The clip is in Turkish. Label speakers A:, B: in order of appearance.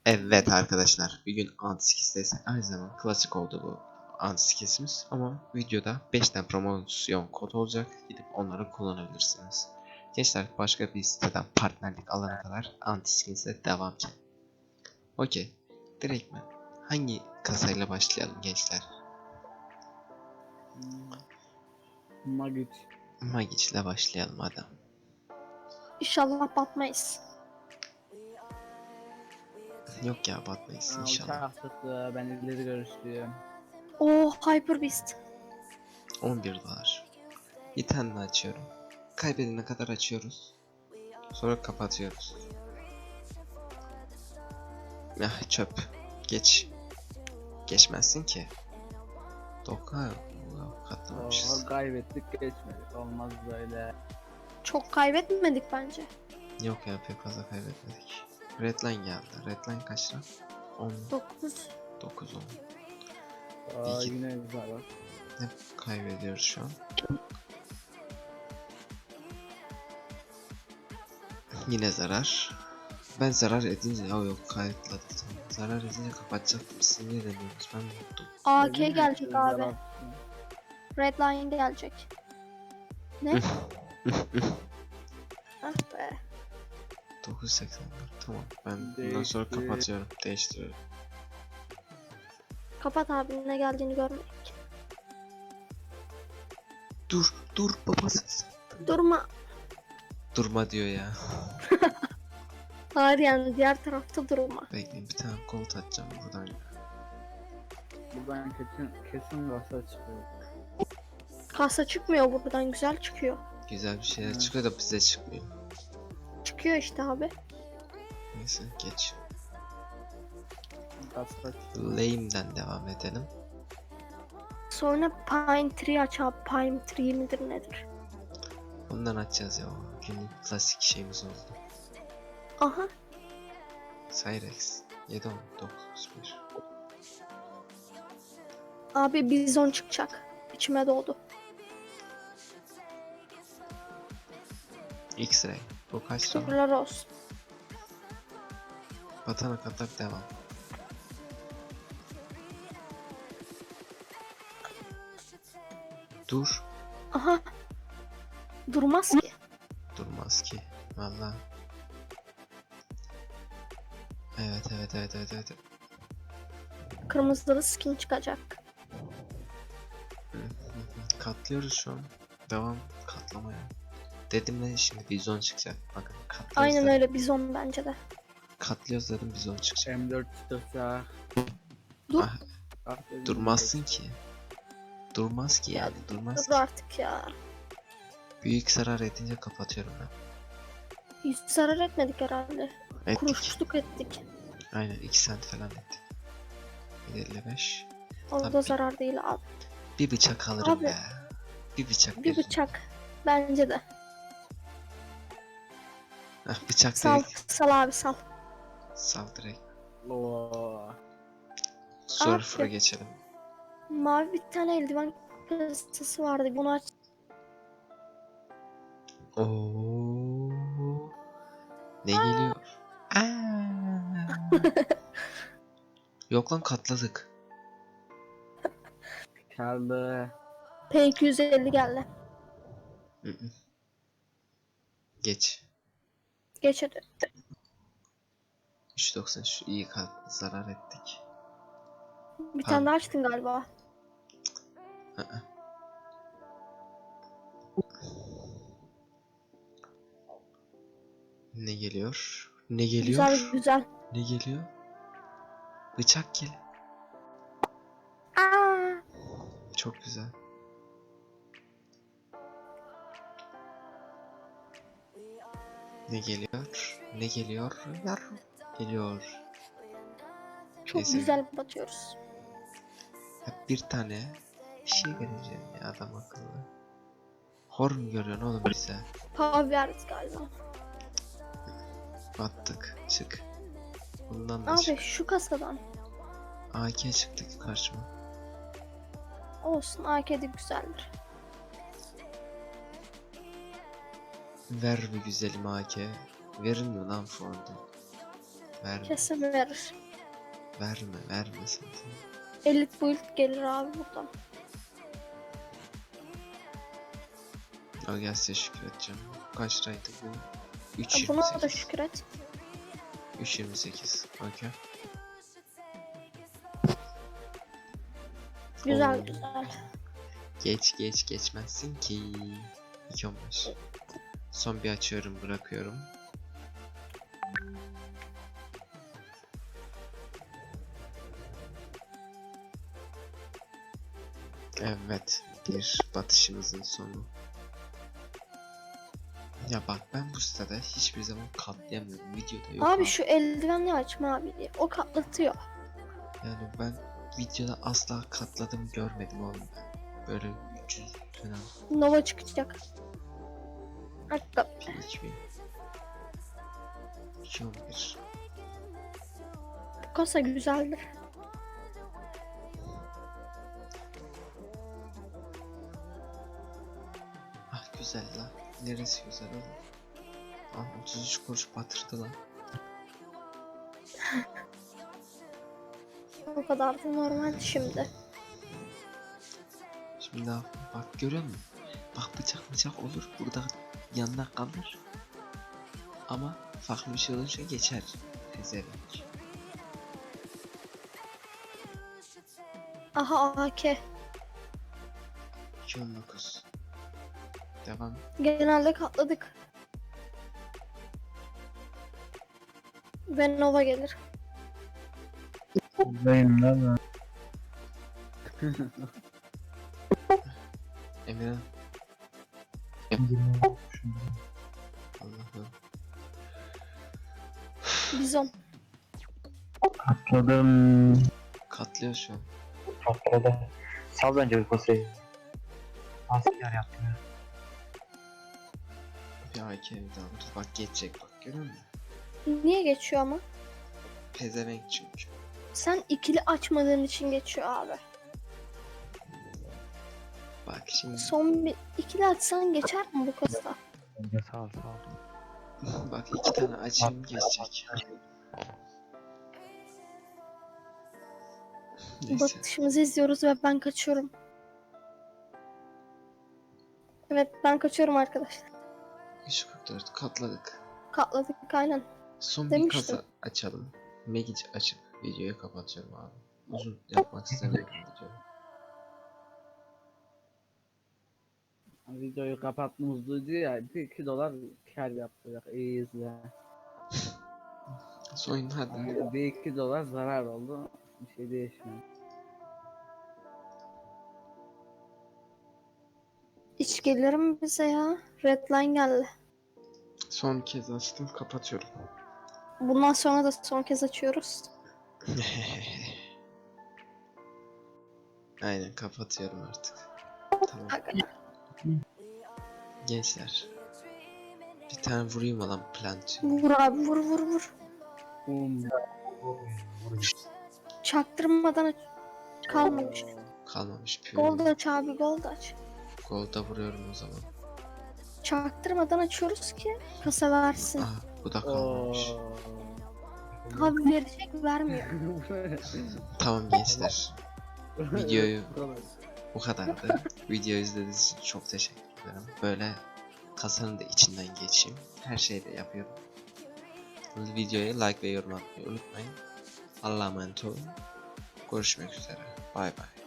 A: Evet arkadaşlar, bir gün antiskisteyse aynı zamanda klasik oldu bu antiskisimiz ama videoda 5 tane promosyon kod olacak, gidip onları kullanabilirsiniz. Gençler, başka bir siteden partnerlik alana kadar antiskis'e devam edeceğim. Okey, direkt mi? Hangi kasayla başlayalım gençler? Magic ile başlayalım hadi.
B: İnşallah batmayız.
A: Yok ya, batmayız inşallah.
C: Uçak çıktı, ben ileri görüşlüyüm.
B: Hyper Beast.
A: 11 dolar. Bir tane daha açıyorum. Kaybedene kadar açıyoruz. Sonra kapatıyoruz. Ah, çöp. Geç. Geçmezsin ki. Doka katlamamışız.
C: Kaybettik geçmedik, olmaz böyle.
B: Çok kaybetmedik bence.
A: Yok ya, pek fazla kaybetmedik. Redline geldi. Redline kaç lira? 10,
B: 9.
A: 9, 10.
C: Aa,
A: İki-
C: yine güzel bak.
A: Ne kaybediyoruz şu an? Yine zarar. Ben zarar edince yok kayıtladı. Zarar edince kapatacaktım. Siz ne demiyorsunuz? Ben unuttum.
B: AK
C: Dedim ya,
B: gelecek
C: güzel
B: abi.
C: bak.
B: Redline gelecek. Ne? Ah be.
A: 984. Tamam. Ben bundan
C: Değişti.
A: sonra kapatıyorum. Değiştiriyorum.
B: Kapat abi, ne geldiğini görmedik.
A: Dur babası.
B: Durma.
A: Durma diyor ya.
B: Hayır, yani diğer tarafta durma.
A: Bekleyin, bir tane kolt atacağım buradan.
C: Buradan kesin kasa çıkıyor.
B: Kasa çıkmıyor buradan, güzel çıkıyor.
A: Güzel bir şeyler
C: Evet.
A: çıkıyor da bize çıkmıyor.
B: Çıkıyor işte abi.
A: Neyse geç.
C: Kasa çıkıyor.
A: Lame'den devam edelim.
B: Sonra Pine Tree aç abi. Pine Tree midir nedir?
A: Bundan açacağız ya. Günlük klasik şeyimiz oldu.
B: Aha.
A: Cyrex. 7 10 9 1.
B: Abi bizon çıkacak. İçime doğdu.
A: X-Ray. Bu kaç lira?
B: Şükürler olsun.
A: Batana kadar devam. Dur.
B: Aha. Durmaz ki.
A: Durmaz ki. Valla. Evet.
B: Kırmızılı skin çıkacak.
A: Katlıyoruz şu an. Devam katlamaya. Dedim ben şimdi bizon çıkacak. Bakın katlıyoruz.
B: Aynen
A: dedim.
B: öyle, bizon bence de.
A: Katlıyoruz dedim, bizon çıkacak.
C: M4 çıkacak.
B: Dur.
A: Ah,
C: Ah, dedim,
A: durmazsın ki. Durmaz ki yani. Durmaz
B: Dur
A: ki.
B: artık ya.
A: Büyük zarar edince kapatıyorum ben.
B: Hiç zarar etmedik herhalde.
A: Ettik.
B: Kuruşluk ettik.
A: Aynen 2 sent falan ettik. 1.55.
B: O da
A: Tabii.
B: zarar değil abi.
A: Bir bıçak alırım
B: Abi,
A: be. Bir bıçak
B: Bir
A: veririm.
B: bıçak. Bence de.
A: Heh, bıçak
B: Sal,
A: dedik.
B: sal abi sal.
A: Sal direkt.
C: Oo.
A: Surfer'a
B: Abi.
A: geçelim.
B: Mavi bir tane eldiven kasası vardı. Bunu aç.
A: Oo. Ne geliyor? Yok lan, katladık.
C: Kaldı.
B: P250 geldi.
A: Hı hı. Geç.
B: Geç hadi.
A: 3.90 şu iyi zarar ettik.
B: Bir
A: Tamam.
B: tane daha açtın galiba.
A: Hı hı. Ne geliyor? Ne geliyor?
B: Güzel.
A: Ne geliyor? Bıçak gel.
B: Aa,
A: Çok güzel. Ne geliyor? Ne geliyor? Geliyor.
B: çok
A: Neyse.
B: güzel batıyoruz.
A: Hep bir tane bir şey vereceğim ya, adam akıllı. Hor mu görüyorsun oğlum bize?
B: Pav verdi galiba.
A: Battık. Çık. Bundan da
B: Abi
A: çık.
B: şu kasadan.
A: AK çıktı karşıma.
B: Olsun, AK'de güzeldir.
A: Ver bir güzelim AK. Verin mi lan fondu? Verme.
B: Kesin verir.
A: Verme sen.
B: Elite build gelir abi buradan.
A: Al gel size şükür edeceğim. Kaç liraydı bu?
B: Buna da
A: 3.28.
B: şükür et.
A: 3.28. Okey.
B: Güzel
A: Oo.
B: güzel.
A: Geçmezsin ki. 2.15. Son bir açıyorum, bırakıyorum. Evet, bir batışımızın sonu. Ya bak, ben bu sitede hiçbir zaman katlayamıyorum. Videoda yok
B: Abi şu eldivenli açma abi. O katlatıyor.
A: Yani ben videoda asla katladım görmedim oğlum ben. Böyle 300 falan.
B: Nova çıkacak. Hatta
A: PHP 2.11.
B: bu kasa güzeldir.
A: Ah güzel la. Neresi güzel oğlum? Ah 33 kuruş batırdı lan.
B: O kadar da normal şimdi.
A: Şimdi ne yapayım? Bak görüyor musun? Bak bıçak olur. Burada yanına kalır. Ama farklı bir şey olunca geçer. Pezevenk.
B: Aha AK.
A: 2.19. Devam.
B: Genelde katladık. Ve Nova gelir.
D: Buradayım lan ben.
A: Emirhan.
D: 20 olmuşum.
A: Allah'ım.
B: Bizon.
D: Atladım.
A: Katlıyor şu an.
D: Atladım. Sal bence bir posayı. Asker yaptım ya.
A: Bir AK daha alırız. Bak geçecek bak görüyor musun?
B: Niye geçiyor ama?
A: Pezevenk çünkü.
B: Sen ikili açmadığın için geçiyor abi.
A: Bak şimdi.
B: Son bir ikili açsan geçer mi bu kasa?
D: Bence sağ ol.
A: Bak 2 tane açayım geçecek. Neyse.
B: Batışımızı izliyoruz ve ben kaçıyorum. Evet ben kaçıyorum arkadaşlar.
A: 3.44 katladık.
B: Katladık aynen.
A: Son bir
B: Demiştim.
A: kasa açalım. Magic açıp videoyu kapatıyorum abi. Uzun yapmak istemiyorum videoyu.
C: Videoyu kapatmamız ya. 2 dolar kar yaptık. İyi izle.
A: Son hadi.
C: 1-2 dolar zarar oldu. Bir şey değişmiyor.
B: Hiç gelir mi bize ya? Redline geldi.
A: Son kez açtım kapatıyorum.
B: Bundan sonra da son kez açıyoruz.
A: Aynen kapatıyorum artık. Tamam.
B: Aga.
A: Gençler. Bir tane vurayım lan plant.
B: Vur abi vur vur vur. Çaktırmadan kalmamış.
A: Kalmamış püh.
B: Gold aç abi gold aç.
A: Golda vuruyorum o zaman.
B: Çaktırmadan açıyoruz ki kasa versin.
A: Aha bu da kalmamış.
B: Abi verecek vermiyor.
A: Tamam gençler. Videoyu bu kadardı. Videoyu izlediğiniz için çok teşekkür ederim. Böyle kasanın da içinden geçeyim. Her şeyi de yapıyorum. Videoya like ve yorum atmayı unutmayın. Allah'a emanet olun. Görüşmek üzere. Bay bay.